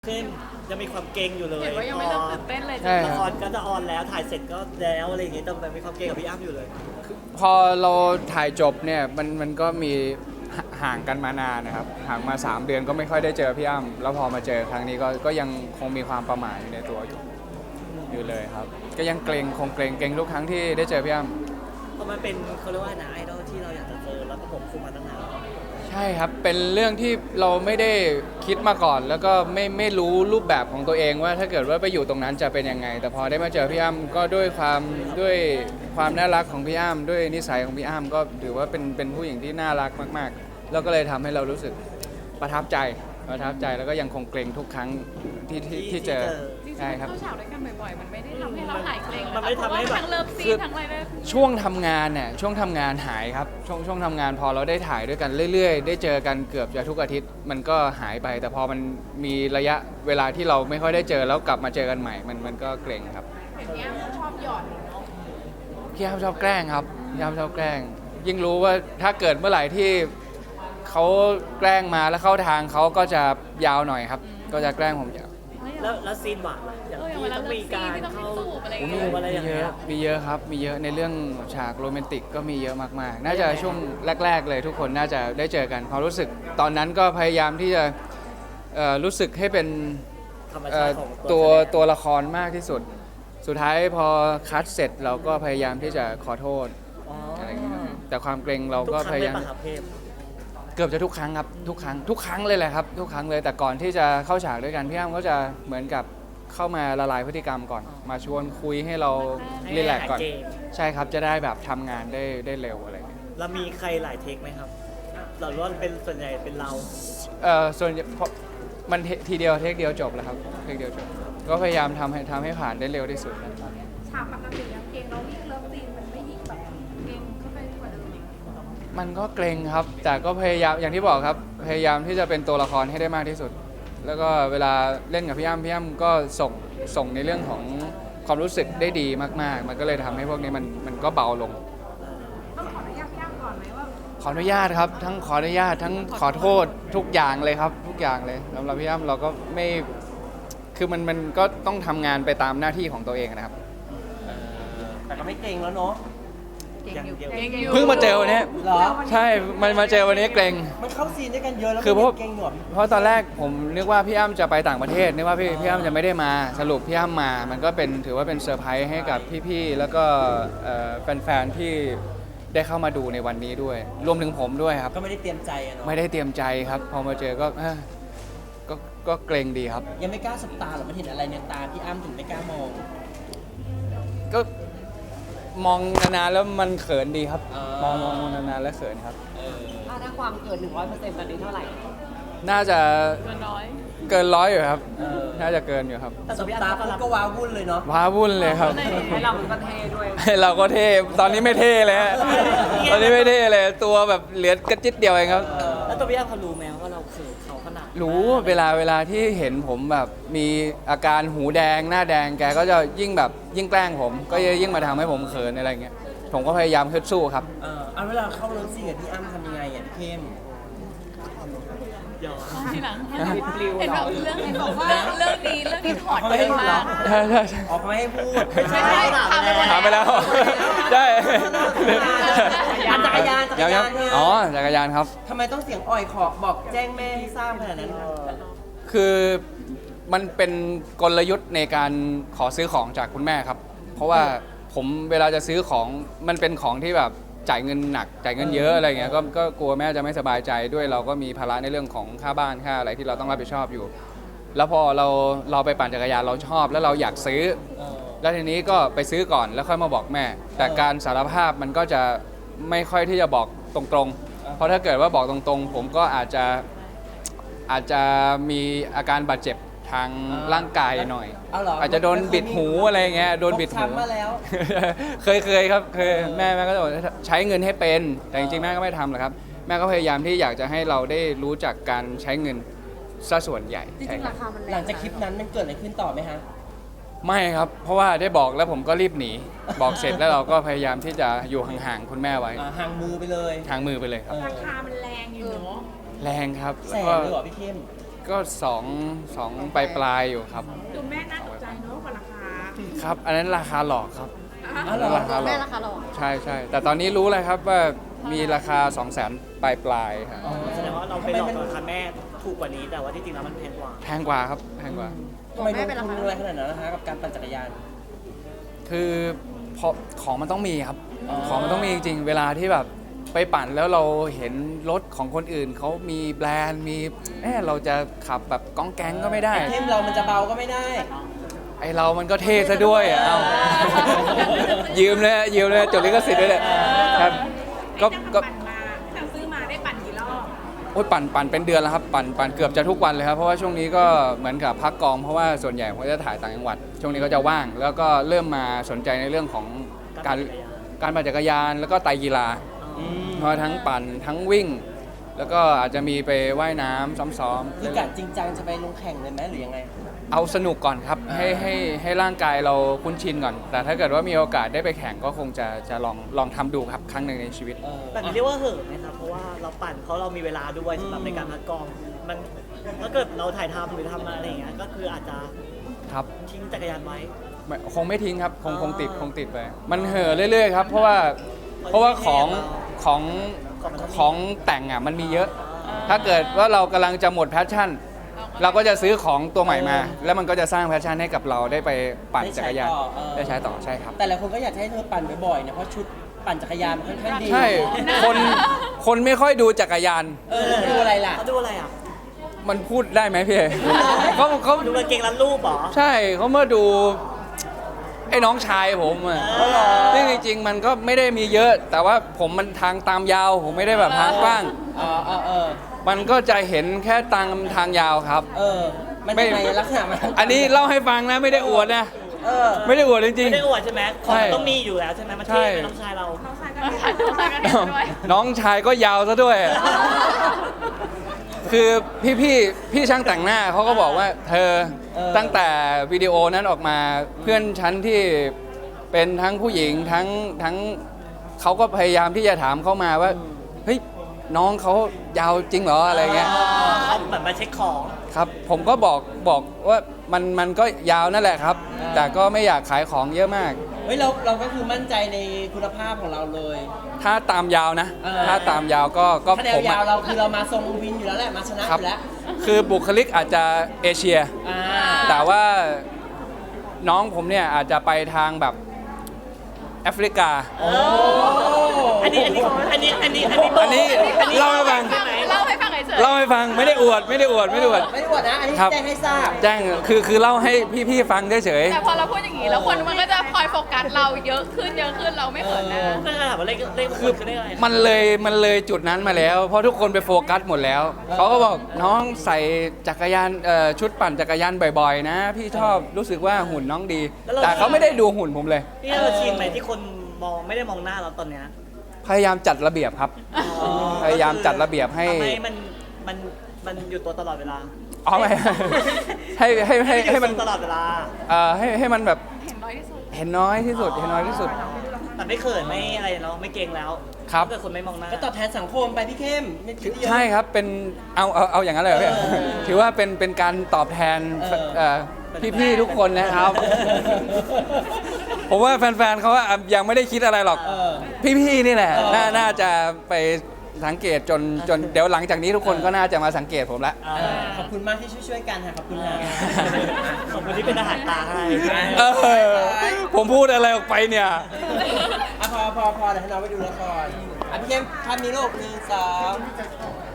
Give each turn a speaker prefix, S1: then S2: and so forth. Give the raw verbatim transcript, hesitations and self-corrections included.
S1: ขึ้นยังมีความเก่งอยู่เลย
S2: เห็นว่ายังไม่เริ่มตื่นเต้นเลย
S3: ใช่
S1: ละครก็จะออนแล้วถ่ายเสร็จก็แล้วอะไรอย่างเงี้ยแต่มีความเก่งกับพี่อ้ำอยู่เลย
S3: พอเราถ่ายจบเนี่ยมันมันก็มีห่างกันมานานนะครับห่างมาสามเดือนก็ไม่ค่อยได้เจอพี่อ้ำแล้วพอมาเจอครั้งนี้ก็ก็ยังคงมีความประหม่าอยู่ในตัวอยู่อยู่เลยครับก็ยังเกรงคงเกรงเกรงทุกครั้งที่ได้เจอพี่อ้ำ
S1: เพราะมันเป็นเขาเรียกว่านะไอดอลที่เราอยากจะเจอแล้วก็ผมคุมมาตั้งนาน
S3: ใช่ครับเป็นเรื่องที่เราไม่ได้คิดมาก่อน แล้วก็ไม่ไม่รู้รูปแบบของตัวเองว่าถ้าเกิดว่าไปอยู่ตรงนั้นจะเป็นยังไง แต่พอได้มาเจอพี่อ้ำก็ด้วยความด้วยความน่ารักของพี่อ้ำด้วยนิสัยของพี่อ้ำก็ถือว่าเป็นเป็นผู้หญิงที่น่ารักมากๆแล้วก็เลยทำให้เรารู้สึกประทับใจประทับใจแล้วก็ยังคงเกรงทุกครั้งที่ที่ที่เจอ
S2: จริงๆ
S3: ใช่ครับ
S2: เข้าฉากด้วยกันบ่อยๆ มันไม่ได้ทำให้เราหายเกรง
S1: มันไม่ทำให้แบบ
S2: ทั้งเลิฟซีนทั้งอะไรเลย
S3: ช่วงทำงานเนี่ยช่วงทำงานหายครับช่วงช่วงทำงานพอเราได้ถ่ายด้วยกันเรื่อยๆ ได้เจอกันเกือบจะทุกอาทิตย์มันก็หายไป แต่พอมันมีระยะเวลาที่เราไม่ค่อยได้เจอแล้วกลับมาเจอกันใหม่มันมันก็เกรงครับ
S2: เห็นเนี่ยชอบหยอดเนาะ
S3: พี่อ้ำชอบแกล้งครับพี่อ้ำชอบแกล้ง ยิ่งรู้ว่าถ้าเกิดเมื่อไหร่ที่เขาแกล้งมาแล้วเข้าทางเขาก็จะยาวหน่อยครับ ก็จะแกล้งผมยาว
S1: แล้วแล้วซีนหวานล่ะอย่าง
S2: เอออย่าง
S1: ที่
S2: เวลา
S1: ต้อง
S2: เลิ
S1: มี
S2: ฟซี
S1: การ
S2: นที่ต้อง
S1: เข้า
S2: จูบอะไรอย่าง
S1: โอ้
S2: เงี้ย
S1: โหอะไรอย่าง
S3: มี
S1: เงี้
S3: เย
S1: ย
S3: อะมีเยอะครับมีเยอะในเรื่องฉากโรแมนติกก็มีเยอะมากๆ น่าจะช่วงแรก ๆ เลยทุกคนน่าจะได้เจอกันความรู้สึกตอนนั้นก็พยายามที่จะเอ่อรู้สึกให้เป็น
S1: ธรรม
S3: เอ่
S1: ชา
S3: อ
S1: ติของ
S3: ตัว
S1: แสดง
S3: ตัวละครมากที่สุด สุดท้ายพอคัดเสร็จเราก็พยายามที่จะขอโทษ
S1: อ๋อ
S3: อะไรอย่างเงี้ยแต่ความเกรงเรา
S1: ทุก
S3: ก็
S1: ครั้
S3: พ
S1: งเลย
S3: ยายาม
S1: ปะครับเทพ
S3: เกือบจะทุกครั้งครับทุกครั้งทุกครั้งเลยแหละครับทุกครั้งเลยแต่ก่อนที่จะเข้าฉากด้วยกันพี่อ้ำก็จะเหมือนกับเข้ามาละลายพฤติกรรมก่อน มาชวนคุยให้เรา
S1: ให้
S3: รีแลกซ์ก่อน
S1: หายเกรง
S3: ใช่ครับจะได้แบบทำงานได้ได้เร็วอะไรอย่างเงี้ย
S1: แล้วมีใครหลายเทคไหมครับเราล้วนเป็นส่วนใหญ่เป็นเรา
S3: เอ่อส่วนเพราะมันเททีเดียวเทคเดียวจบแล้วครับเทคเดียวจบก็พยายามทำให้ทำให้ผ่านได้เร็วที่สุดนะ
S2: ฉากปกติแล้วเกรงเรายิ่งเลิฟซีนมันไม่ยิ่งแบบเกรงเข้าไปกว่าเดิมอีก
S3: มันก็เกรงครับ แต่ก็พยายามอย่างที่บอกครับ พยายามที่จะเป็นตัวละครให้ได้มากที่สุด แล้วก็เวลาเล่นกับพี่อ้ำพี่อ้ำก็ส่งส่งในเรื่องของความรู้สึกได้ดีมากๆ มันก็เลยทำให้พวกนี้มันมันก็เบาลง
S2: ต้องขออนุญาตพี่อ้ำก่อนไหมว่า
S3: ขออนุญาตครับ ทั้งขออนุญาตทั้งขอโทษทุกอย่างเลยครับ ทุกอย่างเลยสำหรับพี่อ้ำเราก็ไม่คือมันมันก็ต้องทำงานไปตามหน้าที่ของตัวเองนะครับ
S1: แต่ก็ไม่เก่งแล้วเนาะ
S2: เก่งอยู่
S1: อย่างเดียว
S2: เก่งอยู่
S3: เพิ่งมาเจอวันนี้
S1: เหรอ
S3: ใช่มันมาเจอวันนี้เกรง
S1: มันเข้าซีนด้วยกันเยอะแล้ว
S3: คือเพราะ
S1: เก่งหนวด
S3: เพราะตอนแรกผมนึกว่าพี่อ้ำจะไปต่างประเทศนึกว่าพี่พี่อ้ำจะไม่ได้มาสรุปพี่อ้ำมา มันก็เป็นถือว่าเป็นเซอร์ไพรส์ให้กับพี่ๆแล้วก็เอ่อแฟนๆที่ได้เข้ามาดูในวันนี้ด้วย รวมถึงผมด้วยครับ
S1: ก็ไม่ได้เตรียมใจอะเนาะ
S3: ไม่ได้เตรียมใจครับ พอมาเจอก็เอ้อก็ก็เกรงดีครับ
S1: ยังไม่กล้าสบตาหรอมันเห็นอะไรในตาพี่อ้ำถึงไม่กล้ามอง
S3: ก็มองนานๆแล้วมันเขินดีครับ
S1: อ่าม
S3: มองมองมองนานๆแล้วเขินครับ
S1: เออ
S4: ถ้าถ้าความเกิน หนึ่งร้อยเปอร์เซ็นต์ ตอนนี้เท่าไหร่
S3: น่าจะ
S2: เกินร้อย
S3: เกินร้อยอยู่ครับ
S1: เออ
S3: น่าจะเกินอยู่ครับ
S1: แต่สบตาปุ๊บก็ว้าวุ่นเลยเนาะ
S3: ว้าวุ่นเลยครับ
S4: ให้เราเป็นประเทศด้วย
S3: เราก็เท่ ตอนนี้ไม่เท่เลยฮะ ตอนนี้ไม่เท่เลย ตัวแบบเหลือกระจิตเดียวเองครับ
S1: แล้วตัวพี่อ้ำเขารู้ไหมว่าเราเขินเขาขนาด
S3: รู้เวลาเวลาที่เห็นผมแบบมีอาการหูแดงหน้าแดงแกก็จะยิ่งแบบยิ่งแกล้งผม ก็ยิ่งมาทำให้ผมเขินอะไรเงี้ย ผมก็พยายามฮึดสู้ครับ
S1: เออเอาเวลาเข้าเลิฟซีนกับพี่อ้ำทำยังไงอ่ะพี่เข้มยอม
S2: ทีหลัง
S4: บิดปลิว
S2: เห็น
S4: เหร
S2: แบ
S4: อบ
S2: เรื่องเห็นบอกว่าเรื่องนี้เรื่องนี้ถอดเยอะมาก
S3: ใช่ใช่ใช่
S1: ออกมาให้พูด
S2: ไม่ใช่ถามไปหมด
S3: ถามไปแล้ว ใช่
S1: อันจักรยานจักรยาน
S3: ยังๆอ๋อ จักรยานครับ
S1: ทำไมต้องเสียงอ่อยขอบอกแจ้งแม่ให้ทราบขนาดนั้น
S3: คือมันเป็นกลยุทธ์ในการขอซื้อของจากคุณแม่ครับ เพราะว่าผมเวลาจะซื้อของมันเป็นของที่แบบจ่ายเงินหนักจ่ายเงินเยอะอะไรเงี้ยก็ก็กลัวแม่จะไม่สบายใจด้วยเราก็มีภาระในเรื่องของค่าบ้านค่าอะไรที่เราต้องรับผิดชอบอยู่ แล้วพอเราเราไปปั่นจักรยานเราชอบแล้วเราอยากซื้อ แล้วทีนี้ก็ไปซื้อก่อนแล้วค่อยมาบอกแม่ แต่การสารภาพมันก็จะไม่ค่อยที่จะบอกตรงๆ เพราะถ้าเกิดว่าบอกตรงๆ ผมก็อาจจะอาจจะมีอาการบาดเจ็บทางร่างกายหน่อย
S1: เอาเหรอ
S3: อาจจะโดนบิดหูอะไรเงี้ยโดนบิดหู
S1: ฟกช้ำมาแล้ว
S3: เคยเคยครับเคยแม่แม่ก็จะบอกใช้เงินให้เป็น แต่จริงๆแม่ก็ไม่ทำหรอกครับ แม่ก็พยายามที่อยากจะให้เราได้รู้จักการใช้เงินซะส่วนใหญ่
S4: จริ
S3: ใช่
S4: งๆ
S3: ครั
S4: รา
S3: บ
S4: คามันแรง
S1: หลังจากคลิปนั้นมันเกิดอะไรขึ้นต่อไหมฮะ
S3: ไม่ครับ เพราะว่าได้บอกแล้วผมก็รีบหนี บอกเสร็จแล้วเราก็พยายามที่จะอยู่ห่างๆคุณแม่ไว้
S1: อ่าห่างมือไปเลย
S3: ทางมือไปเลยครับ
S1: เออ
S2: ราคามันแรงอยู่เนาะ
S3: แรงครับ
S1: แส
S3: แล้ว
S1: น
S3: ก็
S1: เลยเหรอพี่เข้ม
S3: ก็สองสองปลายปลายๆอยู่ครับ
S2: ดูแม่น่าตกใจเนาะกับราคา
S3: ครับ อันนั้นราคาหลอกครับ
S1: อ๋อเหรอ
S3: ราคาหล
S2: แม่
S3: อก
S2: ราคาหรอ
S3: ใช่ใช่แต่ตอนนี้รู้แล้วครับว่ามีราคา สองแสน ปลายปลายๆครับ
S5: แสดงว่าเราไปหลอกราคาแม่ถูกกว่านี้แต่ว่าที่จริงแล้วมันแพงกว่า
S3: แพงกว่าครับแพงกว่า
S1: ทำไมลงทุนอะไรขนาดนั้นนะคะกับการปั่นจักรยาน
S3: คือพอของมันต้องมีครับ
S1: อ๋อ
S3: ของมันต้องมีจริงๆ เวลาที่แบบไปปั่นแล้วเราเห็นรถของคนอื่นเขามีแบรนด์มีเออเราจะขับแบบก้องแก๊งก็ไม่ได้
S1: ไอเทมเรามันจะเบาก็ไม่ได้
S3: ไอเรามันก็เท่ซะด้วยอ่ะเอายืมเลยยืมเลยจดลิขสิทธิ์ด้วยเลยครับก็ก็
S2: ปั่นมาตั้งซื้อมาได้ปั่นกี่รอบ
S3: โอ้ยปั่นปั่นเป็นเดือนแล้วครับปั่นปั่นเกือบจะทุกวันเลยครับเพราะว่าช่วงนี้ก็เหมือนกับพักกองเพราะว่าส่วนใหญ่ผมจะถ่ายต่างจังหวัด ช่วงนี้ก็จะว่าง แล้วก็เริ่มมาสนใจในเรื่องของการการปั่นจักรยานแล้วก็ไตรกีฬา
S1: อืม
S3: เพราะทั้งปั่นทั้งวิ่ง แล้วก็อาจจะมีไปว่ายน้ำซ้อม
S1: คือกะจริงจังจะไปลงแข่งเลยไหมหรือยังไง
S3: ๆเอาสนุกก่อนครับให้ให้ให้ร่างกายเราคุ้นชินก่อน แต่ถ้าเกิดว่ามีโอกาสได้ไปแข่งก็คงจะจะลองลองทำดูครับครั้งหนึ่งในชีวิต
S1: เออ
S5: แบบนี้เรียกว่าเหินไหมครับเพราะว่าเราปั่นเพราะเรามีเวลาด้วยสำหรับในการพักกองมันถ้าเกิดเราถ่ายทำหรือทำอะไรอย่างเงี้ยก็คืออาจจะ
S3: ครับ
S5: ทิ้งจักรยานไว้
S3: ไม่คงไม่ทิ้งครับคง
S5: อ๋อ
S3: คงติดคงติดไปมันเห่อะเรื่อยๆครับเพราะว่าเพราะว่าของของของแต่งอ่ะมันมีเยอะ ถ้าเกิดว่าเรากำลังจะหมดแพชชั่น เราก็จะซื้อของตัวใหม่มา แล้วมันก็จะสร้างแพชชั่นให้กับเราได้ไปปั่นจักรยาน
S1: ได้ใช้ต่อเออ
S3: ได้ใช้ต่อใช่ครับ
S1: แต่หลายคนก็อยากให้เธอปั่นบ่อยๆนะเพราะชุดปั่นจักรยานมันค่อนข้างดี
S3: ใช่คนคนไม่ค่อยดูจักรยาน
S1: เออดูอะไรล่ะ
S5: เขาดูอะไรอ่ะ
S3: มันพูดได้ไหมพี่เอเขาเขา
S5: ดูกางเกงรัดรูปเหรอ
S3: ใช่เขาเมื่อดูไอ้น้องชายผมอ่ะ
S5: อ๋อเหรอ
S3: ซึ่งจริงๆมันก็ไม่ได้มีเยอะ แต่ว่าผมมันทางตามยาว ผมไม่ได้แบบทางกว้าง
S1: เออเออเออ
S3: มันก็จะเห็นแค่ทางทางยาวครับ
S1: เออ มัน
S3: ไม่
S1: ยังไงลักษณะมัน
S3: อันนี้เล่าให้ฟังนะไม่ได้อวดนะ
S1: เออ
S3: ไม่ได้อวดจริง
S5: ไม่ได้อวดใช่ไหมของ
S3: ใช่
S5: มันต้องมีอยู่แล้วใช่ไหมมัน
S3: ใช่
S5: เท่เป็นน้องชายเรา
S2: น้องชายก็น้องชายก็เห็นด้วย
S3: ๆ น้องชายก็ยาวซะด้วย คือพี่พี่พี่ช่างแต่งหน้าเขาก็บอกว่าเธอ
S1: เออ
S3: ตั้งแต่วิดีโอนั้นออกมาเพื่อนฉันที่เป็นทั้งผู้หญิงทั้งทั้งเขาก็พยายามที่จะถามเข้ามาว่าเฮ้ยน้องเขายาวจริงเหรออะไรเงี้ย
S5: เขาเหมือนมาเช็คของ
S3: ครับผมก็บอกบอกว่ามันมันก็ยาวนั่นแหละครับ แต่ก็ไม่อยากขายของเยอะมาก
S1: เฮ้ยเราเราก็คือมั่นใจในคุณภาพของเราเลย
S3: ถ้าตามยาวนะ
S1: เออ
S3: ถ้าตามยาวก็ก็
S1: ถ้าแน
S3: ผ
S1: ว
S3: ม
S1: ยา
S3: อะ
S1: วเราคือเรามาทรงวินอยู่แล้วแหละมาชนะครับ อยู่แล้ว
S3: คือบุคลิกอาจจะเอเชีย
S1: อ่า
S3: แต่ว่าน้องผมเนี่ยอาจจะไปทางแบบแอฟริกา
S1: โอ้
S5: อันนี้อันนี้อันนี้อันนี้อันนี้
S3: อันนี้เล่าให้ฟัง
S5: ใช่ไหม
S2: เล่าให้ฟังเฉย
S3: เล่าให้ฟังไม่ได้อวดไม่ได้อวดไม่ได้อวด
S1: ไม่ได้อวดนะ อันนี้
S3: ครับ
S1: แจ้งให้ทราบ
S3: แจ้งคือคือเล่าให้พี่ๆฟังเฉย
S2: ๆแต่พอเราพูดอย่างนี้แล้วคนมันก็จะคอยโฟกัสเราเยอะขึ้นเยอะขึ้นเราไม่เขินนะ
S5: เพื่อนถามว่าเลขเลขมงคลคือเลขอะไร
S3: ๆมันเลยมันเลยจุดนั้นมาแล้ว เพราะทุกคนไปโฟกัสหมดแล้วเขาก็บอกน้องใส่จักรยานเอ่อชุดปั่นจักรยานบ่อยๆ นะ พี่ชอบรู้สึกว่าหุ่นน้องดี แต่เขาไม่ได้ดูหุ่นผมเลย
S5: นี่เราชินไหมที่คนมองไม่ได้มองหน้าเราตอนเนี้ย
S3: พยายามจัดระเบียบครับ พยายามจัดระเบียบให้
S5: ทำให้มันมันมันอยู่ตัวตลอดเวลา
S3: อ๋อไม่ ให้ให้ให้ให้มัน
S5: อยู่ตัวตลอดเวลา
S3: เอ่อให้ให้มันแบบ
S2: เห็นน้อยที่สุด
S3: เห็นน้อยที่สุดเห็นน้อยที่สุด
S5: แต่ไม่เขินไม่อะไรเนาะไม่เกรงแล้ว
S3: ครับ
S5: ถ้าเกิดคนไม่มองหน้า
S1: ก็ตอบแทนสังคมไปพี่เข้มไม่คิดเยอะ
S3: ใช่ครับเป็นเอาเอาเอาอย่างนั้นเลยเหรอพี่
S1: เออ
S3: ถือว่าเป็นเป็นการตอบแทน
S1: เออ
S3: เอ่อพี่ๆทุกคนนะครับ ผมว่าแฟนๆเขาว่ายังไม่ได้คิดอะไรหรอก
S1: เออ
S3: พี่ๆนี่แหละ
S1: เออ
S3: น่าน่าจะไปสังเกตจนจนเดี๋ยวหลังจากนี้ทุกคนก็น่าจะมาสังเกตผมละ
S5: อ่า
S1: เออขอบคุณมากที่ช่วยๆกันค่ะขอบคุณค่ะ
S5: ขอบคุณที่เป็นอาหารตาให้
S3: เออผมพูดอะไรออกไปเนี่ย
S1: อ่ะพอพอพอเดี๋ยวให้น้องไปดูละครอ่ะพี่เข้มทำนี้ลูกหนึ่งสอง